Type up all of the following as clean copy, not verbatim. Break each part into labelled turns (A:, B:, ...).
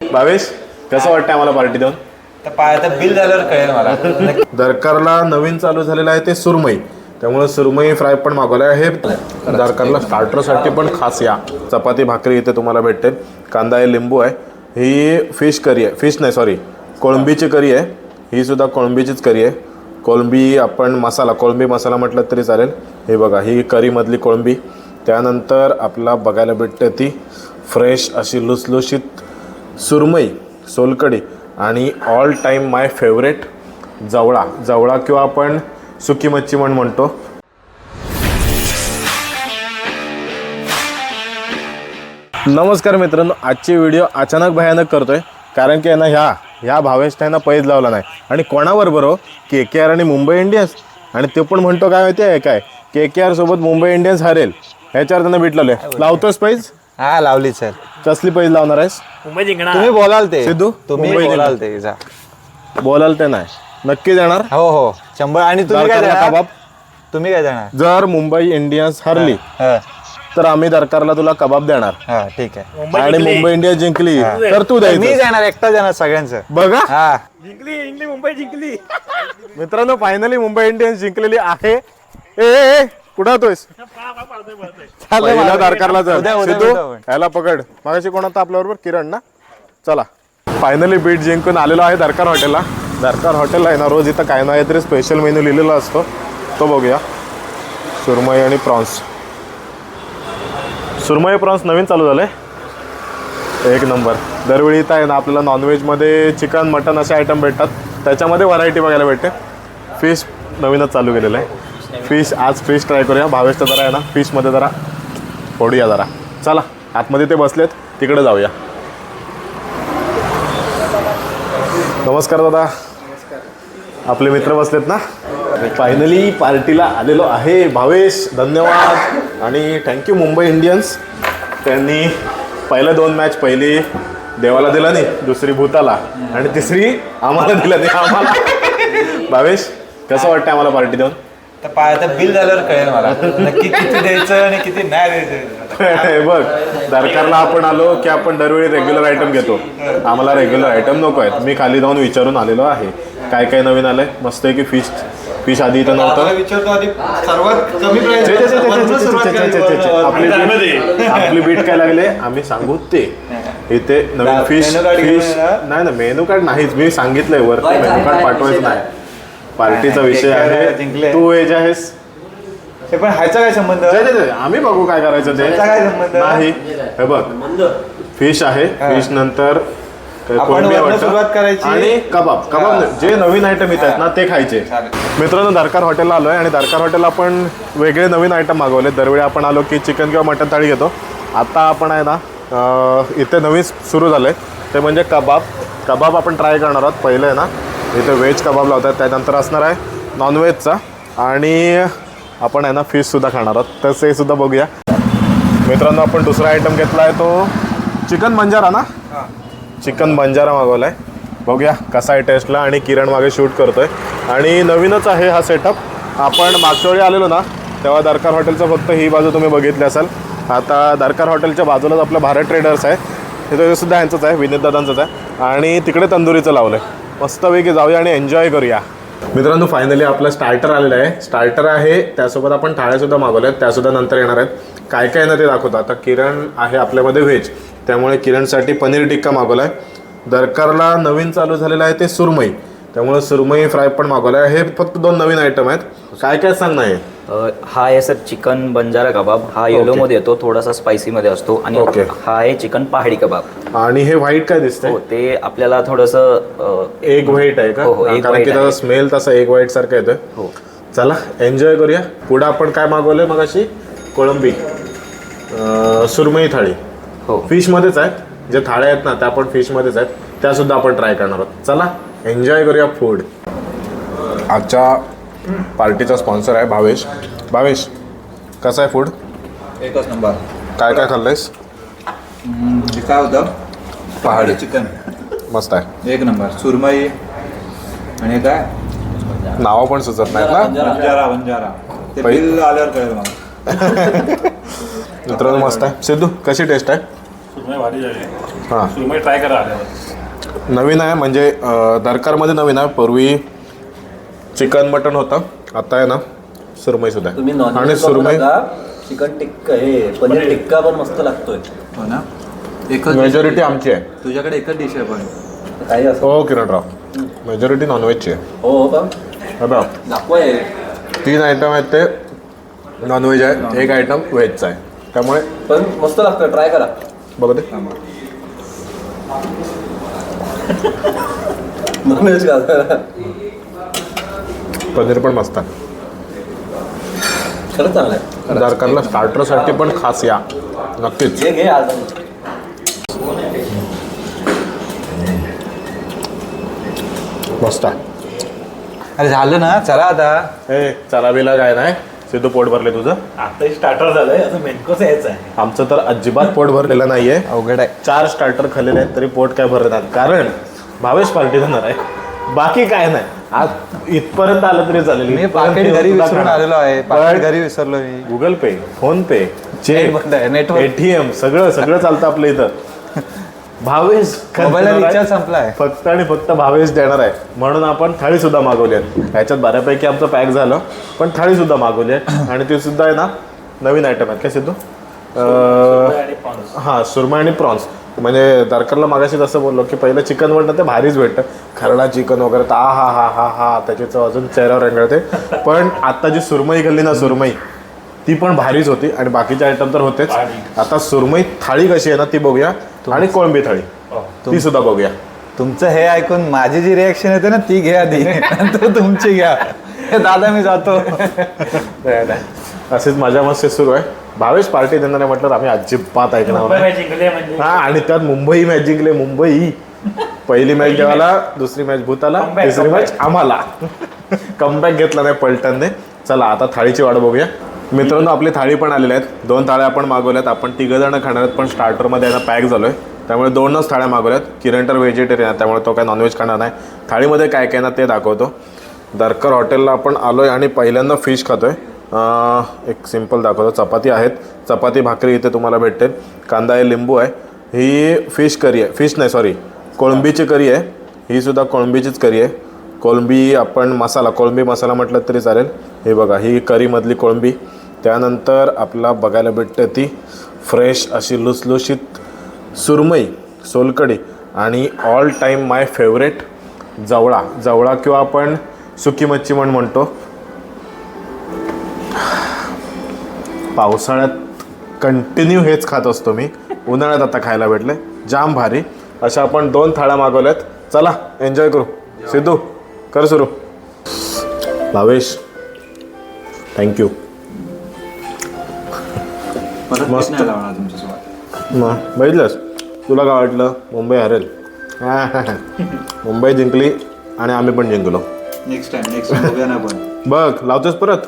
A: भावेश कसं वाटतं आम्हाला पार्टी देऊन?
B: तर बिल झाल्यावर कळेल मला.
A: दरकारला नवीन चालू झालेलं आहे ते सुरमई, त्यामुळे सुरमई फ्राय पण मागवलं आहे. हे दरकारला स्टार्टरसाठी पण खास या. चपाती भाकरी इथे तुम्हाला भेटते, कांदा आहे, लिंबू आहे. ही फिश करी आहे, फिश नाही सॉरी कोळंबीची करी आहे. ही सुद्धा कोळंबीचीच करी आहे. कोळंबी आपण मसाला, कोळंबी मसाला म्हटलं तरी चालेल. हे बघा ही करीमधली कोळंबी. त्यानंतर आपला बघायला भेटते ती फ्रेश अशी लुसलुशीत सुरमई, सोलकढी आणि ऑल टाईम माय फेवरेट जवळा. जवळा किंवा आपण सुकी मच्छी म्हणतो. नमस्कार मित्रांनो, आजची व्हिडिओ अचानक भयानक करतोय कारण की आहे ना ह्या भावेशने पैज लावला नाही. आणि कोणाबरोबर हो? KKR आणि मुंबई इंडियन्स. आणि ते पण म्हणतो काय माहिती आहे काय, KKR सोबत मुंबई इंडियन्स हरेल ह्याच्यावर त्यांना बीट लावले. लावतोस पैज?
B: हा लावली सर.
A: कसली पैज लावणार आहेस?
C: मुंबई जिंकणार.
B: तुम्ही बोलाल ते
A: सिद्धू,
B: तुम्ही बोलाल ते जा.
A: बोलाल ते नाही नक्की जाणार.
B: हो 100. आणि तुम्ही काय
A: दरकारला
B: देणार?
A: कबाब.
B: तुम्ही काय देणार?
A: जर मुंबई इंडियन्स हरली तर आम्ही दरकारला तुला कबाब देणार.
B: हा ठीक आहे.
A: आणि मुंबई इंडियन्स जिंकली तर तू
B: मी
A: द्यायचं.
B: जाणार, एकटा जाणार सगळ्यांचं.
A: बघा
B: हा
C: जिंकली मुंबई जिंकली.
A: मित्रांनो, फायनली मुंबई इंडियन्स जिंकलेली आहे. ए कुठं होतोयस? पहिला दरकारला जा. सिद्धू ह्याला पकड. मागाशी कोण होता आपल्या बरोबर? किरण ना. चला फायनली बीट जिंकून आलेलो आहे दरकार हॉटेलला. दरकार हॉटेल आहे ना, रोज इथं काय ना काहीतरी स्पेशल मेन्यू लिहिलेला असतो, तो बघूया. सुरमई आणि प्रॉन्स. सुरमई प्रॉन्स नवीन चालू झालं आहे, एक नंबर. दरवेळी इथं आहे ना आपल्याला नॉनव्हेजमध्ये चिकन मटन असे आयटम भेटतात, त्याच्यामध्ये व्हरायटी बघायला भेटते. फिश नवीनच चालू केलेलं आहे. फिश आज फिश ट्राय करूया. भावेशचं जरा आहे ना फिशमध्ये जरा फोडूया जरा. चला आतमध्ये ते बसलेत, तिकडे जाऊया. नमस्कार दादा. आपले मित्र बसलेत ना. फायनली पार्टीला आलेलो आहे भावेश. धन्यवाद आणि थँक्यू मुंबई इंडियन्स. त्यांनी पहिल्या 2 मॅच, पहिली देवाला दिला नाही, दुसरी भूताला आणि तिसरी आम्हाला दिला नाही. आम्हाला भावेश कसं वाटतं आम्हाला पार्टी देऊन?
B: तर बिल झाल्यावर कळेल मला नक्की किती द्यायचं आणि किती नाही द्यायचं.
A: बघ दरकारला आपण आलो की आपण दरवेळी रेग्युलर आयटम घेतो. आम्हाला रेग्युलर आयटम नको आहेत. मी खाली जाऊन विचारून आलेलो आहे काय काय नवीन आलंय. मस्त आहे की फिश आधी इथं नव्हतं.
B: विचारतो आधी सर्वात कमी
A: आपली बीट काय लागले आम्ही सांगू ते. इथे नवीन फिश नाही ना, मेनू कार्ड नाहीच. मी सांगितलंय वर मेनू कार्ड पाठवायचं नाही. पार्टीचा विषय आहे, तू एज आहेस.
B: पण ह्याचा काय संबंध?
A: आम्ही बघू काय करायचं ते.
B: काय संबंध
A: नाही हे बघ, फिश आहे. फिश नंतर
B: सुरुवात करायची
A: आणि कबाब जे नवीन आयटम येत आहेत ना ते खायचे. मित्रांनो, दरकार हॉटेलला आलोय आणि दरकार हॉटेलला आपण वेगळे नवीन आयटम मागवले. दरवेळी आपण आलो की चिकन किंवा मटन थाळी घेतो. आता आपण आहे ना इथे नवीन सुरू झालंय ते म्हणजे कबाब आपण ट्राय करणार आहोत. पहिलं आहे ना इथे व्हेज कबाब लावतात, त्यानंतर असणार आहे नॉनव्हेजचा आणि आपण आहे ना फिशसुद्धा खाणार आहोत. तसं हे सुद्धा बघूया. मित्रांनो, आपण दुसरा आयटम घेतला आहे तो चिकन बंजारा ना. चिकन बंजारा मागवला आहे. बघूया कसा आहे टेस्टला. आणि किरण मागे शूट करतोय आणि नवीनच आहे हा सेटअप. आपण मागच्या वेळी आलेलो ना तेव्हा दरकार हॉटेलचं फक्त ही बाजू तुम्ही बघितली असाल. आता दरकार हॉटेलच्या बाजूलाच आपलं भारत ट्रेडर्स आहे, तिथे सुद्धा यांचंच आहे, विनीत दादांचंच आहे. आणि तिकडे तंदुरीचं लावलं आहे. मस्तपैकी जाऊया आणि एन्जॉय करूया. मित्रांनो, फायनली आपलं स्टार्टर आलेलं आहे. स्टार्टर आहे, त्यासोबत आपण थाळ्यासुद्धा मागवल्या आहेत, त्यासुद्धा नंतर येणार आहेत. काय काय ना ते दाखवतो. आता किरण आहे आपल्यामध्ये व्हेज, त्यामुळे किरणसाठी पनीर टिक्का मागवला आहे. दरकारला नवीन चालू झालेलं आहे ते सुरमई, त्यामुळे सुरमई फ्राय पण मागवलं आहे. हे फक्त 2 नवीन आयटम आहेत. काय काय सांग नाही.
D: हा आहे सर चिकन बंजारा कबाब. हा येलो मध्ये येतो, थोडासा स्पायसी मध्ये असतो. आणि हा आहे चिकन पहाडी कबाब.
A: आणि हे व्हाईट काय दिसतंय?
D: ते आपल्याला थोडंसं
A: एग व्हाईट आहे का? कारण की त्याचा स्मेल तसा एग व्हाईट सारखा येतोय.
D: हो
A: चला एन्जॉय करूया. पुढे आपण काय मागवलंय मगाशी? कोळंबी सुरमई थाळी.
D: हो
A: फिशमध्येच आहेत. जे थाळ्या आहेत ना त्या पण फिशमध्येच आहेत, त्यासुद्धा आपण ट्राय करणार आहोत. चला एन्जॉय करूया फूड. आजच्या पार्टीचा स्पॉन्सर आहे भावेश. भावेश कसं आहे फूड?
B: एकच नंबर.
A: काय काय खाल्लंयस?
B: काय होतं?
A: पहाडी
B: चिकन
A: मस्त आहे,
B: एक नंबर. सुरमई आणि काय
A: नावं पण सुचत नाहीत ना.
B: बंजारा ते बिल आल्यावर कळेल मला.
A: मित्रांनो मस्त आहे. सिद्धू कशी टेस्ट आहे?
C: सुरमई भारी झाली.
A: हां
C: सुरमई ट्राय करा आल्यावर.
A: नवीन आहे म्हणजे दरकारमध्ये नवीन आहे. पूर्वी चिकन मटन होतं, आता आहे ना सुरमईसुद्धा आहे.
E: तुम्ही
A: आणि
E: नॉनव्हेज
A: सुरमई
E: चिकन टिक्का हे पनीर टिक्का पण मस्त लागतोय.
B: हो ना एकच
A: मेजॉरिटी आमची आहे.
B: तुझ्याकडे एकच डिश आहे पण
E: काही असं
A: हो किरणराव, मेजॉरिटी नॉनव्हेजची आहे.
E: हो का
A: हे बघ,
E: दाखवाय
A: 3 आयटम आहेत ते नॉनव्हेज आहे, 1 आयटम व्हेजचा आहे. त्यामुळे
E: पण मस्त लागतं, ट्राय करा.
A: बघा ते
E: नॉनव्हेज का
A: पनीर पण मस्त आहे.
E: खरंच चांगलं आहे.
A: दरकारला स्टार्टरसाठी पण खास या नक्कीच.
E: घे आज
A: मस्त आहे.
B: अरे झालं ना चला आता.
A: हे चला बिला काय नाही, सिद्धू पोट भरले तुझं.
C: आता स्टार्टर झालंय, असं मेनकोच यायचं आहे.
A: आमचं तर अजिबात पोट भरलेलं नाहीये.
B: अवघड आहे.
A: 4 स्टार्टर खाल्लेले आहेत तरी पोट काय भरत नाही, कारण भावेश पार्टी देणार आहे. बाकी काय नाही. आज इथपर्यंत आलं तरी चालेल.
B: मी पाकिट घरी विसरून आलेलो आहे. पाकिट घरी विसरलो मी.
A: Google pay, phone pay,
B: net बंद आहे, नेटवर्क.
A: ATM सगळं चालतं आपलं इथं. भावेश
B: मोबाईलला रिचार्ज संपलाय.
A: फक्त आणि फक्त भावेश देणार आहे, म्हणून आपण थाळी सुद्धा मागवली आहे. ह्याच्यात बऱ्यापैकी आमचं पॅक झालं, पण थाळी सुद्धा मागवली आहे. आणि ती सुद्धा आहे ना नवीन आयटम आहेत. काय सिद्धू? हां, सुरमई आणि प्रॉन्स. म्हणजे दरकारला मागाशी जसं बोललो की पहिलं चिकन म्हणतं ते भारीच भेटतं, खरडा चिकन वगैरे तर हा त्याची चव अजून चेहऱ्यावर रेंगाळते. पण आता जी सुरमई खाल्ली ना, सुरमई ती पण भारीच होती. आणि बाकीचे आयटम तर होतेच. आता सुरमई थाळी कशी आहे ना ती बघूया, आणि कोळंबी थाळी ती सुद्धा बघूया.
B: तुमचं हे ऐकून माझी जी रिॲक्शन येते ना ती घ्या आधी, नंतर तुमची घ्या. दादा मी जातो.
A: असेच मजा मस्ती सुरू आहे. भावेश पार्टी देणार आहे म्हटलं आम्ही अजिबात ऐकणार
C: मुंबई
A: नाही.
C: मॅच जिंकली आहे म्हणजे.
A: हा, आणि त्यात मुंबई मॅच जिंकले. मुंबई पहिली मॅच देवाला, दुसरी मॅच भूताला, तिसरी मॅच आम्हाला. कमबॅक घेतला नाही पलटनने. चला आता थाळीची वाट बघूया. मित्रांनो, आपली थाळी पण आलेल्या आहेत. 2 थाळ्या आपण मागवल्यात. आपण 3 जण खाणार आहेत, पण स्टार्टरमध्ये याला पॅक झालोय, त्यामुळे 2च थाळ्या मागवल्यात. किरण तर व्हेजिटेरियन आहे, त्यामुळे तो काय नॉनव्हेज खाणार नाही. थाळीमध्ये काय काय ना ते दाखवतो. दरकर हॉटेलला आपण आलोय आणि पहिल्यांदा फिश खातोय. एक सिम्पल दाखवतो. चपाती आहेत, चपाती भाकरी इथे तुम्हाला भेटेल. कांदा आहे, लिंबू आहे. ही फिश करी आहे, फिश नाही सॉरी कोळंबीची करी आहे. ही सुद्धा कोळंबीचीच करी आहे. कोळंबी आपण मसाला, कोळंबी मसाला म्हटलं तरी चालेल. हे बघा, ही करीमधली कोळंबी. त्यानंतर आपला बघायला भेटते ती फ्रेश अशी लुसलुशीत सुरमई, सोलकढी, आणि ऑल टाईम माय फेवरेट जवळा किंवा आपण सुकी मच्छी म्हणतो. पावसाळ्यात कंटिन्यू हेच खात असतो मी, उन्हाळ्यात आता खायला भेटले, जाम भारी. अशा आपण 2 थाळ्या मागवल्यात. चला एन्जॉय करू. सिद्धू कर सुरू. भावेश थँक्यू. मस्त. मग बघितलंस, तुला काय वाटलं मुंबई हरेल? मुंबई जिंकली आणि आम्ही पण जिंकलो.
B: नेक्स्ट टाइम बघूया ना पण.
A: बघ लावतोस परत.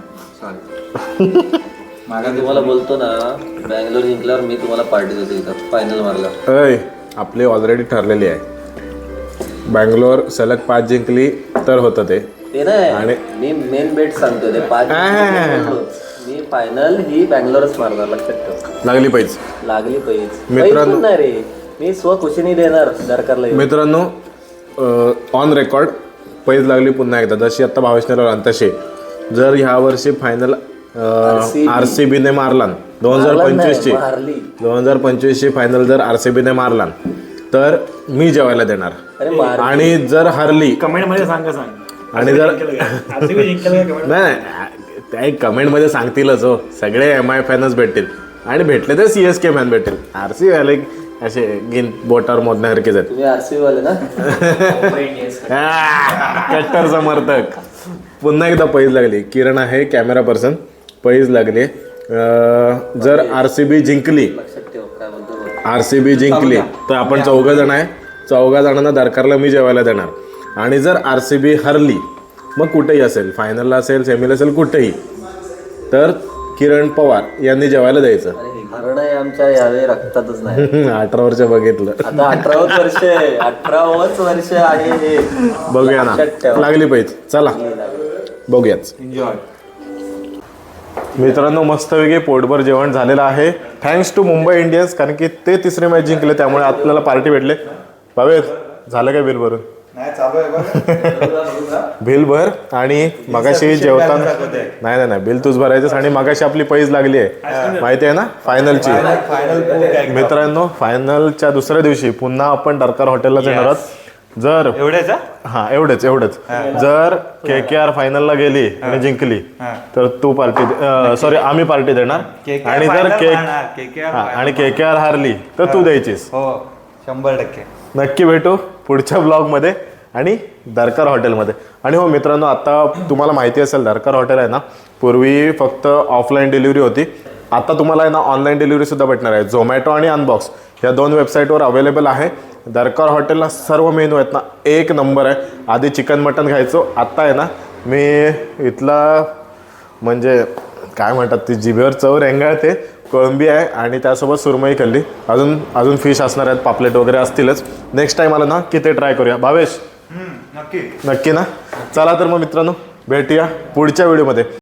E: मी तुम्हाला बोलतो ना, बँगलोर जिंकल्यावर मी तुम्हाला पार्टी देतो इथं फायनल मारला.
A: अय, आपली ऑलरेडी ठरलेली आहे. बँगलोर सलग 5 जिंकली तर होतं ते.
E: ते नाही,
A: आणि
E: मी मेन बेट सांगतो ते 5 मी फायनल ही बँगलोरच मारणार, लक्षात ठेव.
A: लागली पाहिजे.
E: लागली पाहिजे
A: मित्रांनो,
E: नाही रे, मी स्वखुशीने देणार दरकारला.
A: मित्रांनो, ऑन रेकॉर्ड पैज लागली पुन्हा एकदा, जशी आत्ता भावेशने लावला तशी. जर ह्या वर्षी फायनल RCBने मारला 2025ची फायनल जर RCBने मारला तर मी जेवायला देणार. आणि जर हरली
C: कमेंट मध्ये सांग.
A: आणि जर
C: जिंकलं
A: नाही, त्या कमेंटमध्ये सांगतीलच हो. सगळे MI फॅनच भेटतील, आणि भेटले तर CSK फॅन भेटतील. RCB वाले असे गिन बोटावर मोजण्यासारखेच आहेत.
E: तुम्ही RCB वाले ना.
A: कट्टर समर्थक. पुन्हा एकदा पैज लागली. किरण आहे कॅमेरा पर्सन. पैज लागली. जर RCB जिंकली, RCB जिंकली तर आपण 4 जण आहे. 4 जणांना दरकारला मी जेवायला देणार. आणि जर RCB हरली, मग कुठेही असेल, फायनलला असेल, सेमीला असेल, कुठेही, तर किरण पवार यांनी जेवायला द्यायचं.
E: हरण आहे आमच्या यावेळी रक्तातच नाही.
A: 18 वर्ष बघितलं,
E: आता 18च वर्ष आहे हे.
A: बघूया ना, लागली पाहिजे. चला बघूयाच.
B: एन्जॉय.
A: मित्रांनो मस्तपैकी पोटभर जेवण झालेलं आहे थँक्स टू मुंबई इंडियन्स, कारण की ते तिसरी मॅच जिंकले त्यामुळे आपल्याला पार्टी भेटले. भावेश झालं काय बिल भरून?
B: नाही चालू आहे बघ.
A: बिल भर. आणि मगाशी जेवताना नाही नाही बिल तूच भरायचंस. आणि मगाशी आपली पैज लागली आहे माहिती आहे ना फायनलची. मित्रांनो फायनलच्या दुसऱ्या दिवशी पुन्हा आपण दरकार हॉटेलला जाणार आहोत. जर
B: एवढेच
A: हा एवढेच जर KKR फायनलला गेली आणि जिंकली तर तू पार्टी सॉरी आम्ही पार्टी देणार. आणि जर आणि KKR हारली तर तू द्यायचीस.
B: हो 100%.
A: नक्की भेटू पुढच्या ब्लॉगमध्ये आणि दरकार हॉटेलमध्ये. आणि हो मित्रांनो आता तुम्हाला माहिती असेल दरकार हॉटेल आहे ना पूर्वी फक्त ऑफलाईन डिलिव्हरी होती. आता तुम्हाला आहे ना ऑनलाईन डिलिव्हरीसुद्धा भेटणार आहे. झोमॅटो आणि अनबॉक्स या 2 वेबसाईटवर अवेलेबल आहे. दरकार हॉटेलला सर्व मेनू आहेत ना एक नंबर आहे. आधी चिकन मटन खायचो, आत्ता आहे ना मी इथला म्हणजे काय म्हणतात ती जिभेवर चव रेंगाळते. कोळंबी आहे आणि त्यासोबत सुरमई खाल्ली. अजून फिश असणार आहेत, पापलेट वगैरे असतीलच. नेक्स्ट टाईम आला ना की ते ट्राय करूया. भावेश
B: नक्की
A: नक्की ना. चला तर मग मित्रांनो भेटूया पुढच्या व्हिडिओमध्ये.